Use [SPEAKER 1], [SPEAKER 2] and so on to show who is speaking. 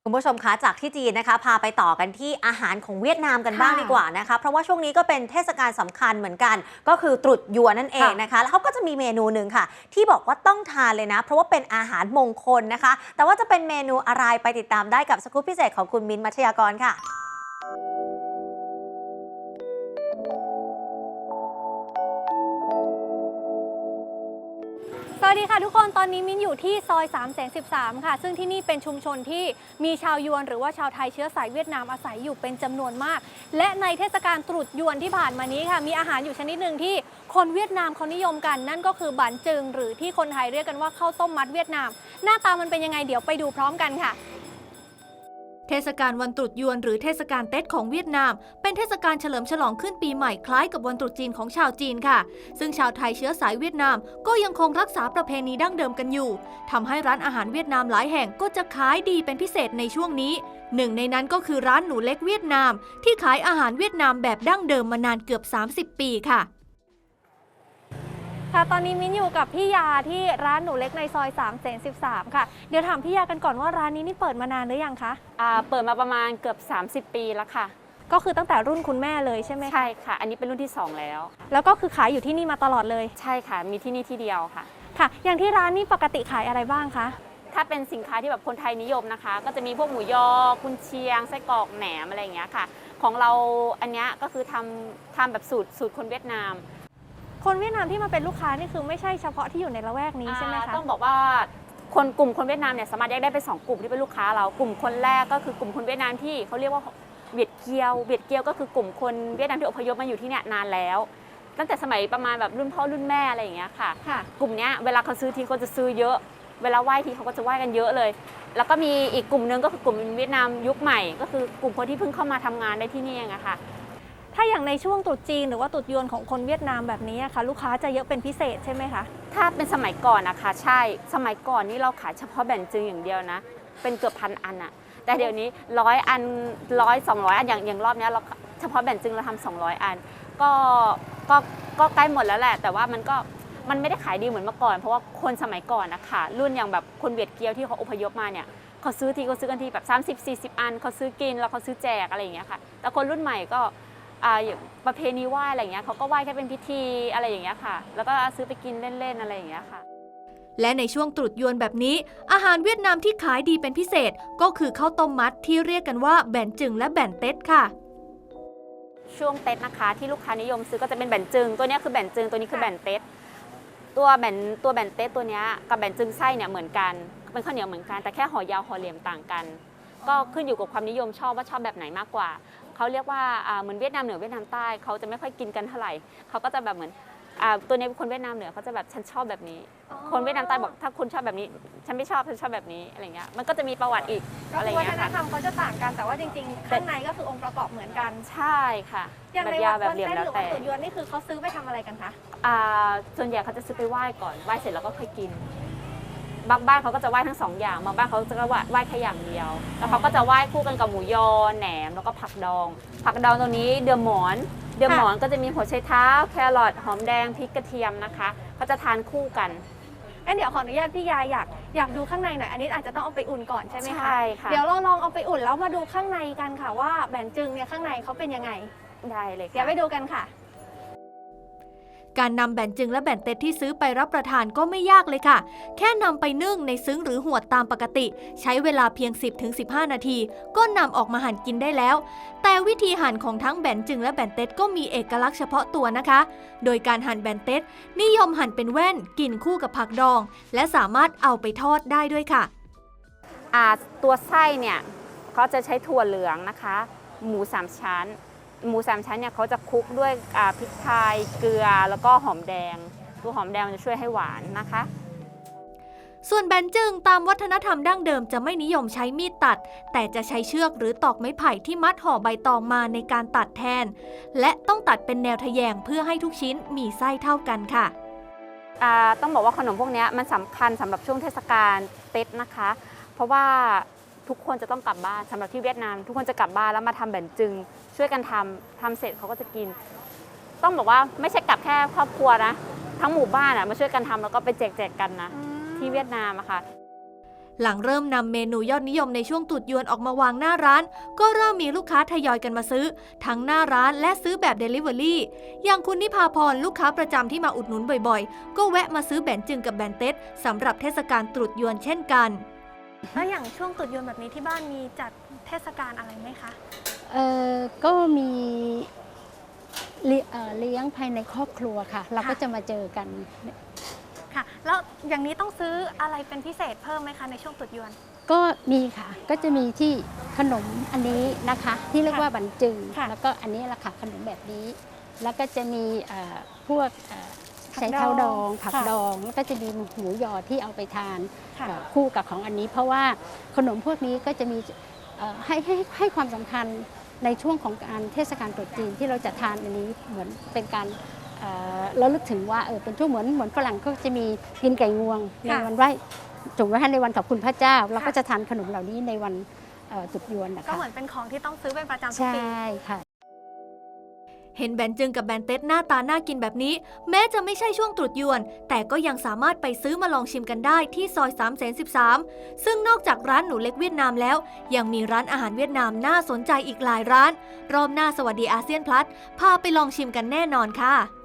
[SPEAKER 1] คุณผู้ชมคะจากที่จีนนะคะพาไปต่อกันที่อาหารของเวียดนามกันบ้างดีกว่านะคะเพราะว่าช่วงนี้ก็เป็นเทศกาลสำคัญเหมือนกันก็คือตรุษยวนนั่นเองนะคะแล้วเขาก็จะมีเมนูหนึ่งค่ะที่บอกว่าต้องทานเลยนะเพราะว่าเป็นอาหารมงคลนะคะแต่ว่าจะเป็นเมนูอะไรไปติดตามได้กับสกู๊ปพิเศษของคุณมิ้นท์มัชยากรค่ะ
[SPEAKER 2] สวัสดีค่ะทุกคนตอนนี้มิ้นอยู่ที่ซอย313ค่ะซึ่งที่นี่เป็นชุมชนที่มีชาวยวนหรือว่าชาวไทยเชื้อสายเวียดนามอาศัยอยู่เป็นจำนวนมากและในเทศกาลตรุษยวนที่ผ่านมานี้ค่ะมีอาหารอยู่ชนิดหนึ่งที่คนเวียดนามเขานิยมกันนั่นก็คือบั๋นจึงหรือที่คนไทยเรียกกันว่าข้าวต้มมัดเวียดนามหน้าตามันเป็นยังไงเดี๋ยวไปดูพร้อมกันค่ะ
[SPEAKER 3] เทศกาลวันตรุษยวนหรือเทศกาลเต็ดของเวียดนามเป็นเทศกาลเฉลิมฉลองขึ้นปีใหม่คล้ายกับวันตรุษจีนของชาวจีนค่ะซึ่งชาวไทยเชื้อสายเวียดนามก็ยังคงรักษาประเพณีดั้งเดิมกันอยู่ทำให้ร้านอาหารเวียดนามหลายแห่งก็จะขายดีเป็นพิเศษในช่วงนี้หนึ่งในนั้นก็คือร้านหนูเล็กเวียดนามที่ขายอาหารเวียดนามแบบดั้งเดิมมานานเกือบ30 ปีค่ะ
[SPEAKER 2] ตอนนี้มิ้นอยู่กับพี่ยาที่ร้านหนูเล็กในซอย313ค่ะเดี๋ยวถามพี่ยากันก่อนว่าร้านนี้นี่เปิดมานานหรือยังคะ
[SPEAKER 4] เปิดมาประมาณเกือบ30 ปีแล้วค่ะ
[SPEAKER 2] ก็คือตั้งแต่รุ่นคุณแม่เลยใช่ไหม
[SPEAKER 4] ใช่ค่ะอันนี้เป็นรุ่นที่2แล้ว
[SPEAKER 2] ก็คือขายอยู่ที่นี่มาตลอดเลย
[SPEAKER 4] ใช่ค่ะมีที่นี่ที่เดียวค่ะ
[SPEAKER 2] ค่ะอย่างที่ร้านนี่ปกติขายอะไรบ้างคะ
[SPEAKER 4] ถ้าเป็นสินค้าที่แบบคนไทยนิยมนะคะก็จะมีพวกหมูยอกุนเชียงไส้กรอกแหนมอะไรอย่างเงี้ยค่ะของเราอันเนี้ยก็คือทำแบบสูตรคนเวียดนาม
[SPEAKER 2] คนเวียดนามที่มาเป็นลูกค้านี่คือไม่ใช่เฉพาะที่อยู่ในละแวกนี้ใช่ไหมคะ
[SPEAKER 4] ต้องบอกว่ากลุ่มคนเวียดนามเนี่ยสามารถแยกได้เป็น2 กลุ่มที่เป็นลูกค้าเรากลุ่มคนแรกก็คือกลุ่มคนเวียดนามที่เขาเรียกว่าเวียดเกียวก็คือกลุ่มคนเวียดนามที่อพยพมาอยู่ที่เนี่ยนานแล้วตั้งแต่สมัยประมาณแบบรุ่นพ่อรุ่นแม่อะไรอย่างเงี้ยค่ะกลุ่มนี้เวลาเขาซื้อทีเขาจะซื้อเยอะเวลาไหว้ทีเขาก็จะไหว้กันเยอะเลยแล้วก็มีอีกกลุ่มนึงก็คือกลุ่มเวียดนามยุคใหม่ก็คือกลุ่มคนที่เพิ่งเข้ามาทำงานได้ที่นี่เองอะค่ะ
[SPEAKER 2] ถ้าอย่างในช่วงตรุษจีนหรือว่าตรุษยวนของคนเวียดนามแบบนี้ค่ะลูกค้าจะเยอะเป็นพิเศษใช่ไหมคะ
[SPEAKER 4] ถ้าเป็นสมัยก่อนนะคะใช่สมัยก่อนนี่เราขายเฉพาะแบนจึงอย่างเดียวนะเป็นเกือบ1,000 อันอะแต่เดี๋ยวนี้100 อัน100-200 อันอย่างรอบนี้เราเฉพาะแบนจึงเราทำ200 อันก็ใกล้หมดแล้วแหละแต่ว่ามันไม่ได้ขายดีเหมือนเมื่อก่อนเพราะว่าคนสมัยก่อนนะคะรุ่นอย่างแบบคนเวียดเกียวที่เขาอพยพมาเนี่ยเขาซื้อกันทีแบบ30-40 อันเขาซื้อกินแล้วเขาซื้อแจกอะไรอย่างเงี้ยค่ะแต่คนรุ่นใหม่ก็อย่างประเพณีไหว้อะไรอย่างเงี้ยเขาก็ไหว้แค่เป็นพิธีอะไรอย่างเงี้ยค่ะแล้วก็ซื้อไปกินเล่นๆอะไรอย่างเงี้ยค่ะ
[SPEAKER 3] และในช่วงตรุษยวนแบบนี้อาหารเวียดนามที่ขายดีเป็นพิเศษก็คือข้าวต้มมัดที่เรียกกันว่าแบนจึงและแบนเต็ดค่ะ
[SPEAKER 4] ช่วงเต็ดนะคะที่ลูกค้านิยมซื้อก็จะเป็นแบนจึงตัวนี้คือแบนจึงตัวนี้คือแบนเต็ดตัวแบนเต็ดตัวนี้กับแบนจึงไส้เนี่ยเหมือนกันเป็นข้าวเหนียวเหมือนกันแต่แค่ห่อยาวห่อเหลี่ยมต่างกันก็ขึ้นอยู่กับความนิยมชอบว่าชอบแบบไหนมากกว่าเขาเรียกว่าเหมือนเวียดนามเหนือเวียดนามใต้เขาจะไม่ค่อยกินกันเท่าไหร่เขาก็จะแบบเหมือนตัวนี้คนเวียดนามเหนือเขาจะแบบฉันชอบแบบนี้คนเวียดนามใต้บอกถ้าคุณชอบแบบนี้ฉันไม่ชอบฉันชอบแบบนี้อะไรเงี้ยมันก็จะมีประวัติอีก
[SPEAKER 2] อะไรเงี้ยค่ะวัฒนธรรมเขาจะต่างกันแต่ว่าจริงๆข้างในก็คือองค์ประกอบเหมือนกัน
[SPEAKER 4] ใช่ค่ะ
[SPEAKER 2] อย่างในวันเต้นหรือวันตรุษยวนนี่คือเขาซื้อไปทำอะไรกันคะ
[SPEAKER 4] ส่วนใหญ่เขาจะซื้อไปไหว้ก่อนไหว้เสร็จแล้วก็ค่อยกินบางบ้านเขาก็จะไหว้ทั้ง2 อย่างบางบ้านเขาจะไหว้แค่อย่างเดียวแล้วเขาก็จะไหว้คู่กันกับหมูยอแหนมแล้วก็ผักดองตรงนี้เดือหมอนก็จะมีหัวไชเท้าแครอทหอมแดงพริกกระเทียมนะคะก็จะทานคู่กัน
[SPEAKER 2] เดี๋ยวขออนุญาตพี่ยาอยากดูข้างในหน่อยอันนี้อาจจะต้องเอาไปอุ่นก่อนใช่ไหมคะ
[SPEAKER 4] ใช่ค่ะ
[SPEAKER 2] เดี๋ยวเราลองเอาไปอุ่นแล้วมาดูข้างในกันค่ะว่าแบนจึงเนี่ยข้างในเขาเป็นยังไง
[SPEAKER 4] ได้เลย
[SPEAKER 2] เดี๋ยวไปดูกันค่ะ
[SPEAKER 3] การนำแบนจึงและแบนเต็ดที่ซื้อไปรับประทานก็ไม่ยากเลยค่ะแค่นำไปนึ่งในซึ้งหรือหวดตามปกติใช้เวลาเพียง 10-15 นาทีก็นำออกมาหั่นกินได้แล้วแต่วิธีหั่นของทั้งแบนจึงและแบนเต็ดก็มีเอกลักษณ์เฉพาะตัวนะคะโดยการหั่นแบนเต็ดนิยมหั่นเป็นแว่นกินคู่กับผักดองและสามารถเอาไปทอดได้ด้วยค่ะ
[SPEAKER 4] ตัวไส้เนี่ยเขาจะใช้ถั่วเหลืองนะคะหมู3 ชั้นเนี่ยเขาจะคลุกด้วยพริกไทยเกลือแล้วก็หอมแดงตัวหอมแดงจะช่วยให้หวานนะคะ
[SPEAKER 3] ส่วนแบนจึงตามวัฒนธรรมดั้งเดิมจะไม่นิยมใช้มีดตัดแต่จะใช้เชือกหรือตอกไม้ไผ่ที่มัดห่อใบตองมาในการตัดแทนและต้องตัดเป็นแนวทะแยงเพื่อให้ทุกชิ้นมีไส้เท่ากันค่ะ
[SPEAKER 4] ต้องบอกว่าขนมพวกนี้มันสำคัญสำหรับช่วงเทศกาลเต็ดนะคะเพราะว่าทุกคนจะต้องกลับบ้านสำหรับที่เวียดนามทุกคนจะกลับบ้านแล้วมาทำแบนจึงช่วยกันทำเสร็จเขาก็จะกินต้องบอกว่าไม่ใช่กลับแค่ครอบครัวนะทั้งหมู่บ้านมาช่วยกันทำแล้วก็ไปแจกกันนะที่เวียดนามอะค่ะ
[SPEAKER 3] หลังเริ่มนำเมนูยอดนิยมในช่วงตรุษยวนออกมาวางหน้าร้านก็เริ่มมีลูกค้าทยอยกันมาซื้อทั้งหน้าร้านและซื้อแบบ Delivery อย่างคุณนิพาพรลูกค้าประจำที่มาอุดหนุนบ่อยๆก็แวะมาซื้อแบนจึงกับแบนเต็ดสำหรับเทศกาลตรุษยวนเช่นกัน
[SPEAKER 2] แล้วอย่างช่วงตรุษยวนแบบนี้ที่บ้านมีจัดเทศกาลอะไรไหมคะ
[SPEAKER 5] ก็มีเลี้ยงภายในครอบครัวค่ะ เราก็จะมาเจอกัน
[SPEAKER 2] ค่ะ แล้วอย่างนี้ต้องซื้ออะไรเป็นพิเศษเพิ่มไหมคะในช่วงตรุษยวน
[SPEAKER 5] ก็มีค่ะ ก็จะมีที่ขนมอันนี้นะคะ ที่เรียกว่าบันจึง
[SPEAKER 2] ค่ะ
[SPEAKER 5] แล้วก็อันนี้แหละค่ะขนมแบบนี้ แล้วก็จะมีพวก
[SPEAKER 2] ผัก
[SPEAKER 5] ใช้เท้าดอง
[SPEAKER 2] ดอง
[SPEAKER 5] ผัก
[SPEAKER 2] ค่ะ
[SPEAKER 5] ดองแล้วก็จะมีหมูยอที่เอาไปทาน
[SPEAKER 2] ค่ะ
[SPEAKER 5] คู่กับของอันนี้ เพราะว่าขนมพวกนี้ก็จะมีให้ความสำคัญในช่วงของการเทศกาลตรุษจีนที่เราจะทานอันนี้เหมือนเป็นการระลึกถึงว่าเป็นช่วงเหมือนฝรั่งก็จะมีกินไก่งวงในวันไหว้ถูกไหมคะในวันขอบคุณพระเจ้าเราก็จะทานขนมเหล่านี้ในวันตรุษยวนนะคะ
[SPEAKER 2] ก็เหมือนเป็นของที่ต้องซื้อเป็นประจำทุก
[SPEAKER 5] ใช่
[SPEAKER 2] ปี
[SPEAKER 5] ค่ะ
[SPEAKER 3] เห็นแบนจึงกับแบนเต็ดหน้าตาน่ากินแบบนี้ แม้จะไม่ใช่ช่วงตรุษยวน แต่ก็ยังสามารถไปซื้อมาลองชิมกันได้ที่ซอย313ซึ่งนอกจากร้านหนูเล็กเวียดนามแล้ว ยังมีร้านอาหารเวียดนามน่าสนใจอีกหลายร้าน รอบหน้าสวัสดีอาเซียนพลัสพาไปลองชิมกันแน่นอนค่ะ